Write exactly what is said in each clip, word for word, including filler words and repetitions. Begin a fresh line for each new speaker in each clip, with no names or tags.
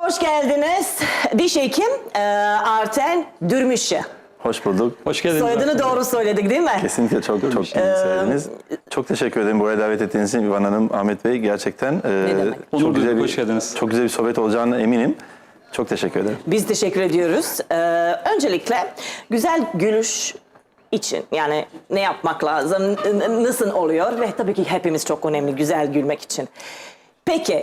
hoş geldiniz. Diş hekim e, Arten Dürmüş'ü.
Hoş bulduk.
Hoş geldiniz.
Soyadını doğru söyledik değil mi?
Kesinlikle çok çok iyi söylediniz. Çok teşekkür ederim buraya davet ettiğiniz için İvan Hanım, Ahmet Bey. Gerçekten e, çok
Onur
güzel
duyduk,
bir,
hoş geldiniz.
çok güzel bir sohbet olacağına eminim. Çok teşekkür ederim.
Biz teşekkür ediyoruz. Ee, öncelikle güzel gülüş için yani ne yapmak lazım, n- nasıl oluyor ve tabii ki hepimiz çok önemli güzel gülmek için. Peki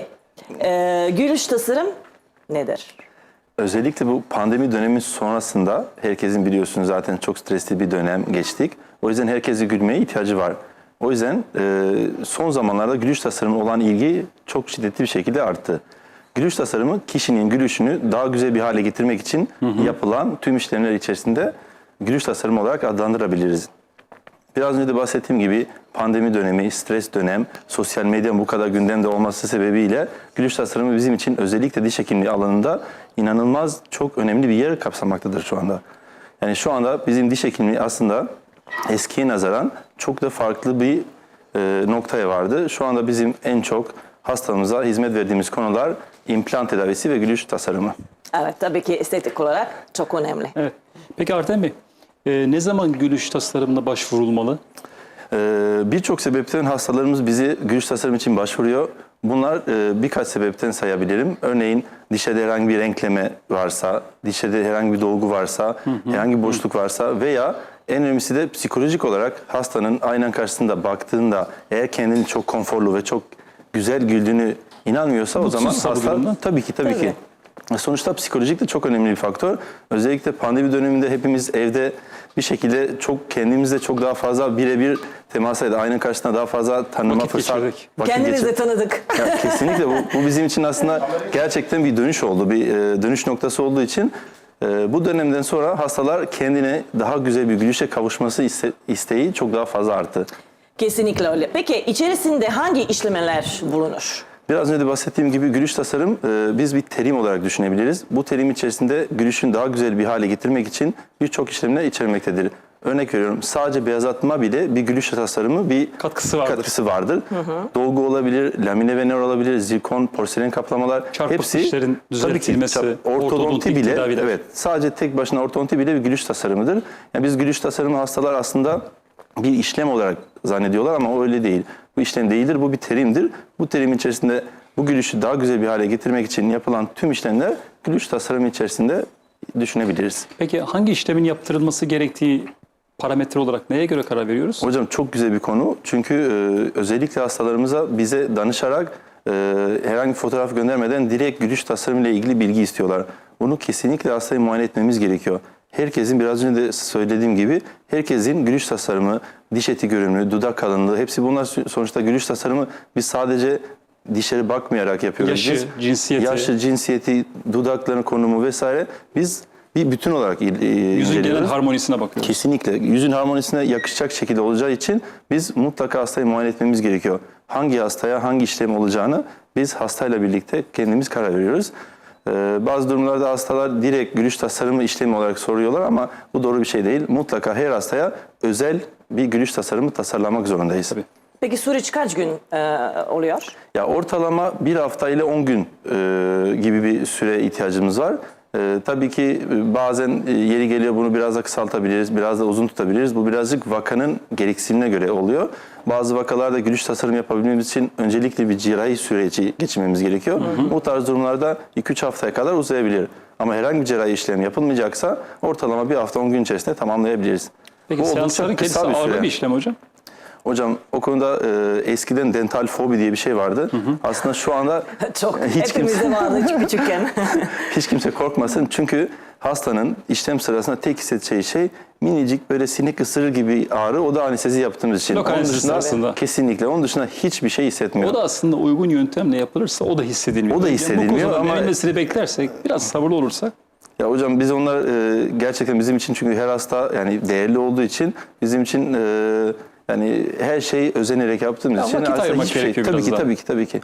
e, gülüş tasarım nedir?
Özellikle bu pandemi dönemi sonrasında herkesin biliyorsunuz zaten çok stresli bir dönem geçtik. O yüzden herkesin gülmeye ihtiyacı var. O yüzden e, son zamanlarda gülüş tasarımı olan ilgi çok şiddetli bir şekilde arttı. Gülüş tasarımı kişinin gülüşünü daha güzel bir hale getirmek için hı hı. yapılan tüm işlemler içerisinde gülüş tasarımı olarak adlandırabiliriz. Biraz önce de bahsettiğim gibi pandemi dönemi, stres dönem, sosyal medyanın bu kadar gündemde olması sebebiyle gülüş tasarımı bizim için özellikle diş hekimliği alanında inanılmaz çok önemli bir yer kapsamaktadır şu anda. Yani şu anda bizim diş hekimliği aslında eskiye nazaran çok da farklı bir e, noktaya vardı. Şu anda bizim en çok hastamıza hizmet verdiğimiz konular implant tedavisi ve gülüş tasarımı.
Evet tabii ki estetik olarak çok önemli.
Evet. Peki Arten Bey, e, ne zaman gülüş tasarımına başvurulmalı?
Ee, Birçok sebepten hastalarımız bizi gülüş tasarım için başvuruyor. Bunlar e, birkaç sebepten sayabilirim. Örneğin dişede herhangi bir renkleme varsa, dişede herhangi bir dolgu varsa, hı hı, herhangi bir boşluk hı. varsa veya en önemlisi de psikolojik olarak hastanın aynan karşısında baktığında eğer kendini çok konforlu ve çok güzel güldüğünü inanmıyorsa o zaman hasta tabii ki tabii, tabii ki. Sonuçta psikolojik de çok önemli bir faktör. Özellikle pandemi döneminde hepimiz evde bir şekilde çok kendimizle çok daha fazla birebir temas edip ayna karşısında daha fazla tanıma
vakit
fırsat.
geçirdik.
Kendinizi tanıdık.
Ya, kesinlikle bu, bu bizim için aslında gerçekten bir dönüş oldu. Bir e, dönüş noktası olduğu için e, bu dönemden sonra hastalar kendine daha güzel bir gülüşe kavuşması iste, isteği çok daha fazla arttı.
Kesinlikle öyle. Peki içerisinde hangi işlemler bulunur?
Biraz önce de bahsettiğim gibi gülüş tasarım e, biz bir terim olarak düşünebiliriz. Bu terim içerisinde gülüşün daha güzel bir hale getirmek için birçok işlemler içermektedir. Örnek veriyorum sadece beyazlatma bile bir gülüş tasarımı bir
katkısı vardır.
Katkısı vardır. Hı hı. Dolgu olabilir, lamine vener olabilir, zirkon, porselen kaplamalar
çarpık
hepsi
dişlerin düzeltilmesi,
tabii ki, ortodonti bile tedaviler. Evet, sadece tek başına ortodonti bile bir gülüş tasarımıdır. Yani biz gülüş tasarımı hastalar aslında bir işlem olarak zannediyorlar ama o öyle değil. Bu işlem değildir, bu bir terimdir. Bu terim içerisinde bu gülüşü daha güzel bir hale getirmek için yapılan tüm işlemler gülüş tasarımı içerisinde düşünebiliriz.
Peki hangi işlemin yaptırılması gerektiği parametre olarak neye göre karar veriyoruz?
Hocam çok güzel bir konu. Çünkü e, özellikle hastalarımıza bize danışarak e, herhangi bir fotoğraf göndermeden direkt gülüş tasarımı ile ilgili bilgi istiyorlar. Bunu kesinlikle hastayı muayene etmemiz gerekiyor. Herkesin biraz önce de söylediğim gibi herkesin gülüş tasarımı, diş eti görünümü, dudak kalınlığı hepsi bunlar sonuçta gülüş tasarımı biz sadece dişlere bakmayarak yapıyoruz.
Yaşı,
biz,
cinsiyeti.
Yaşı, cinsiyeti, dudakların konumu vesaire biz bir bütün olarak inceliyoruz.
Yüzün genel harmonisine bakıyoruz.
Kesinlikle. Yüzün harmonisine yakışacak şekilde olacağı için biz mutlaka hastayı muayene etmemiz gerekiyor. Hangi hastaya hangi işlem olacağını biz hastayla birlikte kendimiz karar veriyoruz. Ee, bazı durumlarda hastalar direkt gülüş tasarımı işlemi olarak soruyorlar ama bu doğru bir şey değil. Mutlaka her hastaya özel bir gülüş tasarımı tasarlamak zorundayız. Tabii.
Peki süreç kaç gün e, oluyor?
Ya ortalama bir hafta ile on gün e, gibi bir süre ihtiyacımız var. Ee, tabii ki bazen yeri geliyor bunu biraz da kısaltabiliriz, biraz da uzun tutabiliriz. Bu birazcık vakanın gereksinimine göre oluyor. Bazı vakalarda gülüş tasarım yapabilmemiz için öncelikle bir cerrahi süreci geçirmemiz gerekiyor. Hı hı. Bu tarz durumlarda iki üç haftaya kadar uzayabilir. Ama herhangi bir cerrahi işlem yapılmayacaksa ortalama bir hafta on gün içerisinde tamamlayabiliriz.
Peki seansların kendisi ağırlı bir işlem hocam?
Hocam o konuda e, eskiden dental fobi diye bir şey vardı. Hı hı. Aslında şu anda
çok hiç hepimizde kimse, vardı hiç küçükken.
Hiç kimse korkmasın çünkü hastanın işlem sırasında tek hissedeceği şey minicik böyle sinek ısırır gibi ağrı. O da anestezi yaptığımız için.
Lokal anestezi aslında.
Kesinlikle. Onun dışında hiçbir şey hissetmiyor.
O da aslında uygun yöntemle yapılırsa o da hissedilmiyor.
O da hissedilmiyor
yani bu
ama
verilmesini beklersek biraz sabırlı olursak.
Ya hocam biz onlar e, gerçekten bizim için çünkü her hasta yani değerli olduğu için bizim için e, yani her şeyi özenerek yaptığımız
ya
için aslında hiçbir şey. Tabii ki, tabii ki tabii ki.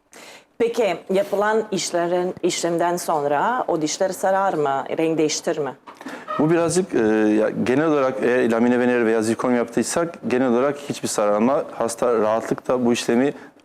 Peki yapılan işlerin işlemden sonra o dişleri sarar mı, renk değiştirir mi?
Bu birazcık e, ya, genel olarak eğer lamine vener veya zirkon yaptıysak genel olarak hiçbir sararma. Hasta rahatlıkla bu işlemi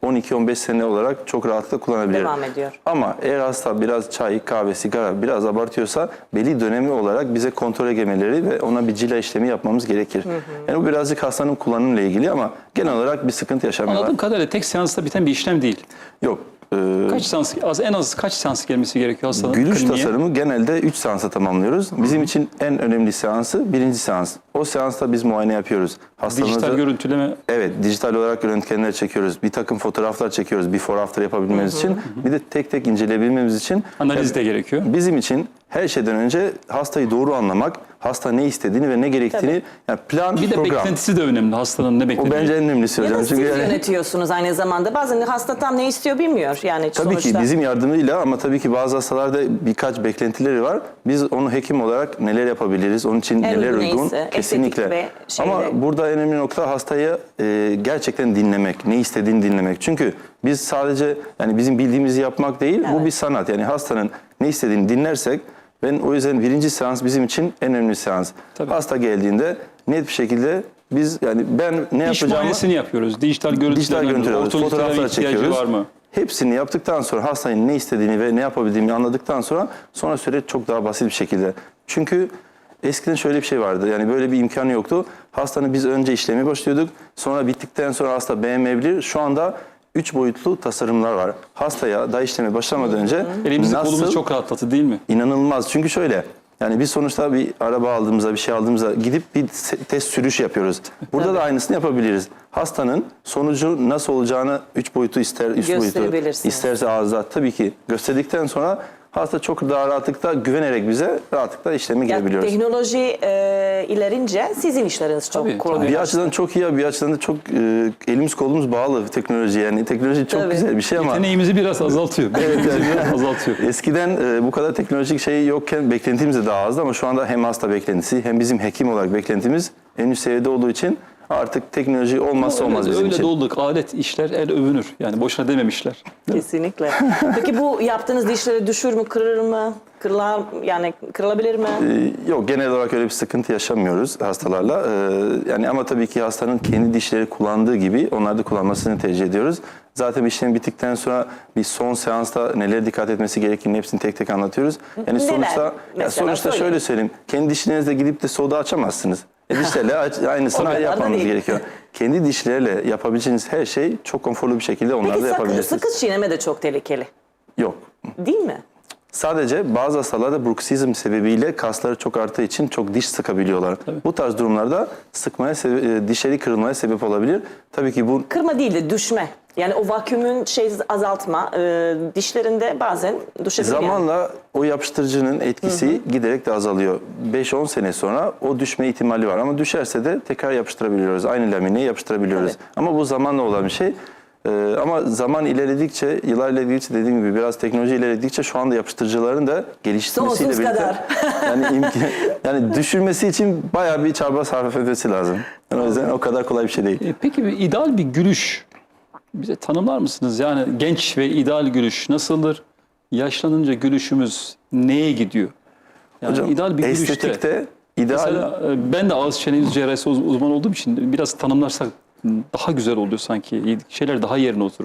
on iki on beş sene olarak çok rahatlıkla kullanabilir.
Devam ediyor.
Ama eğer hasta biraz çay, kahve, sigara biraz abartıyorsa belli dönemi olarak bize kontrole gelmeleri ve ona bir cila işlemi yapmamız gerekir. Hı hı. Yani bu birazcık hastanın kullanımıyla ilgili ama genel olarak bir sıkıntı yaşamıyorlar.
Anladığım kadarıyla tek seansta biten bir işlem değil.
Yok. Ee,
Kaç seans, az, en az kaç seans gelmesi gerekiyor hastanın?
Gülüş
kliniğe?
tasarımı genelde üç seansa tamamlıyoruz. Bizim için en önemli seansı birinci seans. O seansta biz muayene yapıyoruz. Hastamızı,
Dijital görüntüleme.
Evet, dijital olarak röntgenler çekiyoruz. Bir takım fotoğraflar çekiyoruz before after yapabilmemiz için. Bir de tek tek inceleyebilmemiz için.
Analiz de gerekiyor.
Bizim için her şeyden önce hastayı doğru anlamak, hasta ne istediğini ve ne gerektiğini, yani plan,
Bir de
program.
beklentisi de önemli hastanın ne
O
beklediği.
bence en önemlisi
Ya
hocam.
da siz
Çünkü yani-
yönetiyorsunuz aynı zamanda. Bazen hasta tam ne istiyor bilmiyor. Yani
Tabii
sonuçta.
ki bizim yardımıyla ama tabii ki bazı hastalarda birkaç beklentileri var. Biz onu hekim olarak neler yapabiliriz, onun için
En
neler
uygun
uygun
neyse,
kesinlikle.
estetik ve şeyle.
Ama burada en önemli nokta hastayı e, gerçekten dinlemek, ne istediğini dinlemek. Çünkü biz sadece yani bizim bildiğimizi yapmak değil, bu
Evet.
bir sanat. Yani hastanın ne istediğini dinlersek, ben o yüzden birinci seans bizim için en önemli seans.
Tabii.
Hasta geldiğinde net bir şekilde biz yani ben ne
İş
yapacağımı
muayenesini yapıyoruz. Dijital görüntüler,
dijital görüntüler alıyoruz, fotoğraflar çekiyoruz.
var mı?
Hepsini yaptıktan sonra hastanın ne istediğini ve ne yapabildiğini anladıktan sonra sonra süreç çok daha basit bir şekilde. Çünkü eskiden şöyle bir şey vardı. Yani böyle bir imkanı yoktu. Hastanın biz önce işlemi başlıyorduk. Sonra bittikten sonra hasta beğenmeyebilir. Şu anda üç boyutlu tasarımlar var. Hastaya daha işleme başlamadan önce
Elimizi
nasıl
kolumuzu çok rahatlattı değil mi?
İnanılmaz. Çünkü şöyle, yani biz sonuçta bir araba aldığımızda, bir şey aldığımızda gidip bir se- test sürüş yapıyoruz. Burada da aynısını yapabiliriz. Hastanın sonucu nasıl olacağını üç boyutu ister, üst boyutu
Gösterebilirsiniz.
isterse ağızda tabii ki gösterdikten sonra hasta çok daha rahatlıkla güvenerek bize rahatlıkla işlemi
Ya,
girebiliyoruz.
teknoloji e, ilerince sizin işleriniz çok
Tabii,
kolay.
Bir açıdan çok iyi, bir açıdan da çok e, elimiz kolumuz bağlı teknoloji. Yani teknoloji çok
Tabii.
güzel bir şey ama
Yeteneğimizi biraz azaltıyor. Beklentimizi biraz azaltıyor.
eskiden e, bu kadar teknolojik şey yokken beklentimiz de daha azdı ama şu anda hem hasta beklentisi hem bizim hekim olarak beklentimiz en üst seviyede olduğu için artık teknoloji olmazsa olmaz
öyle,
bizim
öyle
için.
de olduk. Alet işler el övünür. Yani boşuna dememişler.
Kesinlikle. Peki bu yaptığınız dişleri düşür mü, kırır mı? Kırılar, yani kırılabilir mi?
Ee, Yok, genel olarak öyle bir sıkıntı yaşamıyoruz hastalarla. Ee, yani ama tabii ki hastanın kendi dişleri kullandığı gibi onlar da kullanmasını tercih ediyoruz. Zaten işlem bittikten sonra bir son seansta nelere dikkat etmesi gerektiğini hepsini tek tek anlatıyoruz. Yani
Neler?
sonuçta ya
Mesela
sonuçta
söyleyin.
şöyle söyleyeyim. Kendi dişlerinizle gidip de soda açamazsınız. E dişlerle aç-
O
aynısını
kadar da
yapmanız
değil.
gerekiyor. Kendi dişlerle yapabileceğiniz her şey çok konforlu bir şekilde onlarla
Peki sakız,
yapabilirsiniz.
sakız çiğneme de çok tehlikeli.
Yok.
Değil mi?
Sadece bazı hastalarda bruksizm sebebiyle kasları çok arttığı için çok diş sıkabiliyorlar. Bu tarz durumlarda sıkmaya, sebe- e, dişleri kırılmaya sebep olabilir. Tabii ki bu
Kırma değil de düşme. Yani o vakumün şey azaltma e, dişlerinde bazen düşebilir. yani.
zamanla o yapıştırıcının etkisi giderek de azalıyor. beş on sene sonra o düşme ihtimali var ama düşerse de tekrar yapıştırabiliyoruz. Aynı lamineye yapıştırabiliyoruz.
Tabii.
Ama bu zamanla olan bir şey. Ee, ama zaman ilerledikçe, yıllar ilerledikçe dediğim gibi biraz teknoloji ilerledikçe şu anda yapıştırıcıların da geliştirmesiyle
Sonsuz
birlikte
kadar.
yani imkan, yani düşürmesi için bayağı bir çaba sarf etmesi lazım. Yani o yüzden o kadar kolay bir şey değil.
E, peki bir ideal bir gülüş bize tanımlar mısınız? Yani genç ve ideal gülüş nasıldır? Yaşlanınca gülüşümüz neye gidiyor? Yani
Hocam
ideal bir gülüşte.
estetikte ideal
Mesela e, ben de ağız çene yüz cerrahisi uz- uzman olduğum için biraz tanımlarsak daha güzel oluyor sanki. Şeyler daha yerine oturur.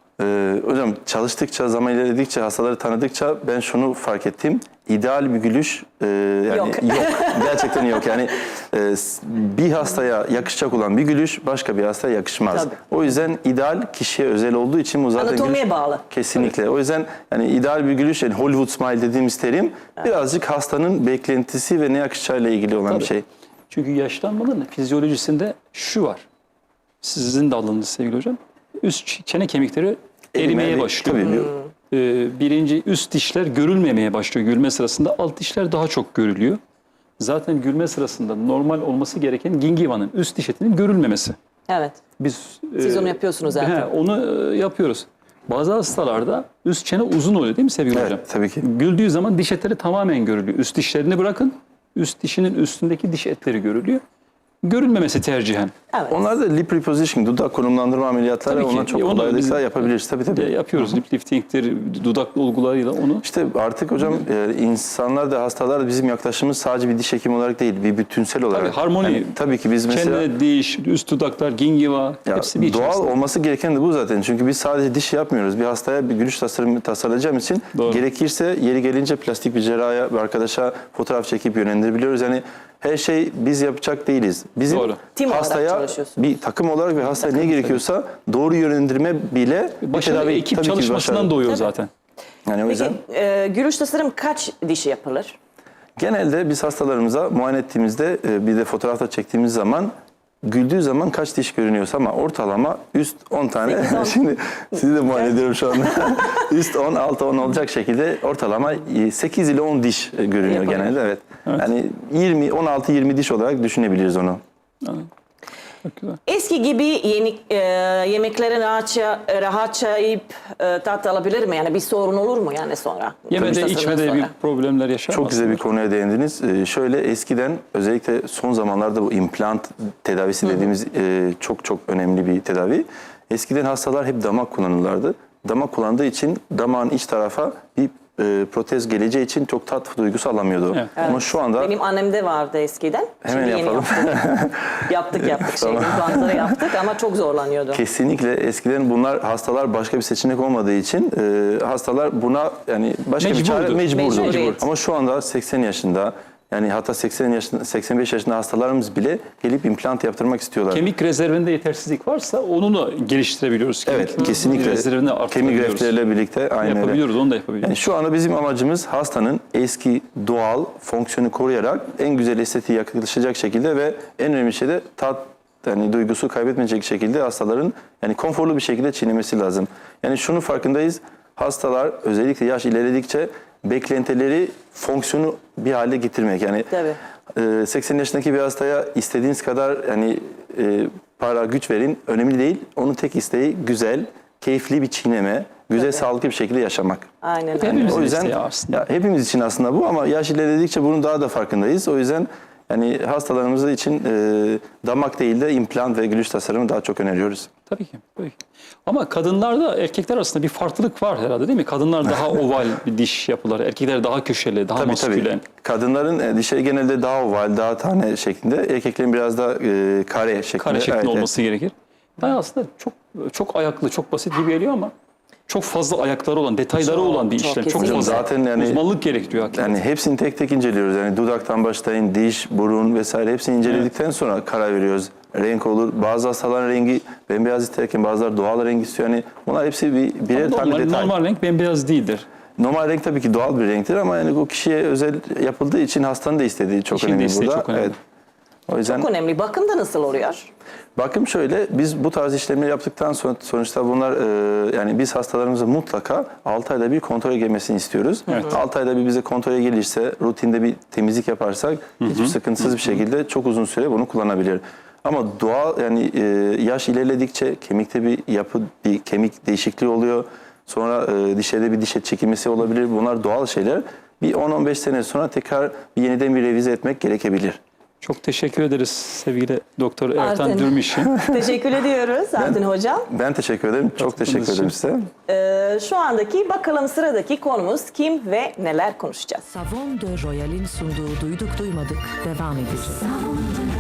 Ee, hocam çalıştıkça, zaman ilerledikçe, hastaları tanıdıkça ben şunu fark ettim. İdeal bir gülüş e, yani
Yok.
yok. Gerçekten yok. Yani e, s- bir hastaya yakışacak olan bir gülüş başka bir hastaya yakışmaz.
Tabii.
O yüzden ideal kişiye özel olduğu için bu zaten
Anatomiye
gülüş-
bağlı.
Kesinlikle. O yüzden yani ideal bir gülüş yani Hollywood smile dediğimiz terim birazcık hastanın beklentisi ve ne yakışacağıyla ilgili olan
Tabii.
bir şey.
Çünkü yaşlanmanın fizyolojisinde şu var. Sizin de alanınız sevgili hocam. Üst ç- çene kemikleri erimeye
Erimeye-
başlıyor.
tabii.
Ee, birinci üst dişler görülmemeye başlıyor gülme sırasında. Alt dişler daha çok görülüyor. Zaten gülme sırasında normal olması gereken gingivanın üst diş etinin görülmemesi.
Evet.
Biz
Siz
e,
onu yapıyorsunuz zaten.
he, onu e, yapıyoruz. Bazı hastalarda üst çene uzun oluyor değil mi sevgili
Evet,
hocam?
tabii ki.
Güldüğü zaman diş etleri tamamen görülüyor. Üst dişlerini bırakın. Üst dişinin üstündeki diş etleri görülüyor. görülmemesi tercihen.
Evet.
Onlar da lip repositioning, dudak konumlandırma ameliyatları
Tabii ki.
onlar çok
E, onu
kolaylıkla
biz-
yapabiliriz. Tabii tabii.
E, yapıyoruz. Lip lifting'tir, dudak dolgularıyla onu.
İşte artık hocam e, insanlar da hastalar da bizim yaklaşımımız sadece bir diş hekimi olarak değil, bir bütünsel olarak.
Tabii, harmoni.
Yani tabii ki biz mesela
Çene, diş, üst dudaklar, gingiva
ya,
hepsi bir
doğal
içerisinde.
olması gereken de bu zaten. Çünkü biz sadece diş yapmıyoruz. Bir hastaya bir gülüş tasarımı tasarlayacağım için
Doğru.
gerekirse yeri gelince plastik bir cerraha bir arkadaşa fotoğraf çekip yönlendirebiliyoruz. Yani her şey biz yapacak değiliz. Bizim
Doğru.
Tim olarak
hastaya
çalışıyorsunuz.
bir takım olarak ve hastaya ne gerekiyorsa doğru yönlendirme bile bir
Başarılı
tedavi
ekip
tabii ki bir
çalışmasından
başarı.
doğuyor
Tabii.
zaten.
Yani o yüzden
Peki e, gülüş tasarım kaç dişi yapılır?
genelde biz hastalarımıza muayene ettiğimizde e, bir de fotoğrafta çektiğimiz zaman güldüğü zaman kaç diş görünüyorsa ama ortalama üst on tane.
Sekiz, on.
Şimdi sizi de muayene ediyorum şu anda. Üst on, altı on olacak şekilde ortalama sekiz ile on diş e, görünüyor
Yapılıyor.
genelde. Evet. Yani yirmi, on altı yirmi diş olarak düşünebiliriz onu.
Çok güzel.
Eski gibi yeni e, yemekleri rahatça, rahatça yiyip e, tat alabilir mi? Yani bir sorun olur mu yani sonra?
Yemede,
Gülüş tasarımdan
içmede bir
sonra.
problemler yaşar
Çok
mı
güzel bir
aslında?
konuya değindiniz. Ee, şöyle eskiden özellikle son zamanlarda bu implant tedavisi dediğimiz e, çok çok önemli bir tedavi. Eskiden hastalar hep damak kullanırlardı. Damak kullandığı için damağın iç tarafa bir e, protez geleceği için çok tat duygusu alamıyordu.
Evet.
Ama şu anda
Benim annemde vardı eskiden.
Hemen
Şimdi yeni
yapalım.
yaptık. yaptık yaptık. Şey, implantları yaptık ama çok zorlanıyordu.
kesinlikle eskiden bunlar hastalar başka bir seçenek olmadığı için e, hastalar buna yani başka bir çare
Mecburdu.
mecburdu.
Mecburiyet.
Ama şu anda seksen yaşında yani hatta seksen yaşında, seksen beş yaşında hastalarımız bile gelip implant yaptırmak istiyorlar.
Kemik rezervinde yetersizlik varsa onu da geliştirebiliyoruz.
Evet,
Kemik
kesinlikle.
rezervini
Kemik
arttırabiliyoruz.
greftleriyle birlikte aynı öyle.
Yapabiliyoruz, onu da yapabiliyoruz.
Yani şu anda bizim amacımız hastanın eski doğal fonksiyonu koruyarak en güzel estetiği yaklaşacak şekilde ve en önemli şey de tat yani duygusu kaybetmeyecek şekilde hastaların yani konforlu bir şekilde çiğnemesi lazım. Yani şunu farkındayız. Hastalar özellikle yaş ilerledikçe beklentileri fonksiyonu bir hale getirmek. Yani
Tabii.
e, seksen yaşındaki bir hastaya istediğiniz kadar yani e, para güç verin önemli değil. Onun tek isteği güzel, keyifli bir çiğneme, güzel
Tabii.
sağlıklı bir şekilde yaşamak.
Aynen öyle.
Hepimizin
O yüzden
isteği aslında.
ya hepimiz için aslında bu ama yaş ilerledikçe bunun daha da farkındayız. O yüzden yani hastalarımız için e, damak değil de implant ve gülüş tasarımı daha çok öneriyoruz.
Tabii ki, tabii ki. Ama kadınlarda erkekler arasında bir farklılık var herhalde değil mi? Kadınlar daha oval bir diş yapıları, erkekler daha köşeli, daha
Tabii
maskülen.
tabii. Kadınların e, dişleri genelde daha oval, daha tane şeklinde. Erkeklerin biraz da e, kare şeklinde.
Kare şeklinde
Evet, evet.
olması gerekir. Ben aslında çok çok ayaklı, çok basit gibi geliyor ama çok fazla ayakları olan, detayları
Çok,
olan bir
çok
işlem. Çok
kesinlikle.
fazla
Zaten yani-
uzmanlık gerektiriyor hakikaten.
Yani hepsini tek tek inceliyoruz. Yani dudaktan başlayın, diş, burun vesaire hepsini inceledikten sonra karar veriyoruz. Renk olur. Bazı hastaların rengi bembeyaz isterken bazıları doğal renk istiyor. Yani bunlar hepsi bir birer tane
normal,
detay.
normal renk bembeyaz değildir.
Normal renk tabii ki doğal bir renktir ama yani o kişiye özel yapıldığı için hastanın da istediği çok
Kişinin de
önemli
isteği
burada.
çok önemli.
Evet. O yüzden
Çok önemli. Bakım da nasıl oluyor?
bakım şöyle, biz bu tarz işlemleri yaptıktan sonra sonuçta bunlar e, yani biz hastalarımıza mutlaka altı ayda bir kontrole gelmesini istiyoruz. altı ayda bir bize kontrole gelirse, rutinde bir temizlik yaparsak hiçbir sıkıntısız bir şekilde çok uzun süre bunu kullanabilir. Ama doğal yani e, yaş ilerledikçe kemikte bir yapı, bir kemik değişikliği oluyor. Sonra e, dişlerde bir diş et çekilmesi olabilir. Bunlar doğal şeyler. Bir on on beş sene sonra tekrar bir yeniden bir revize etmek gerekebilir.
Çok teşekkür ederiz sevgili Doktor Ertan
Artin.
Dürmiş'i.
Teşekkür ediyoruz Artin Hocam.
Ben teşekkür ederim. Çok
Katıldığınız
teşekkür ederim
için.
size.
Ee, şu andaki bakalım sıradaki konumuz kim ve neler konuşacağız?
Savon de Royal'in sunduğu Duyduk Duymadık devam edecek.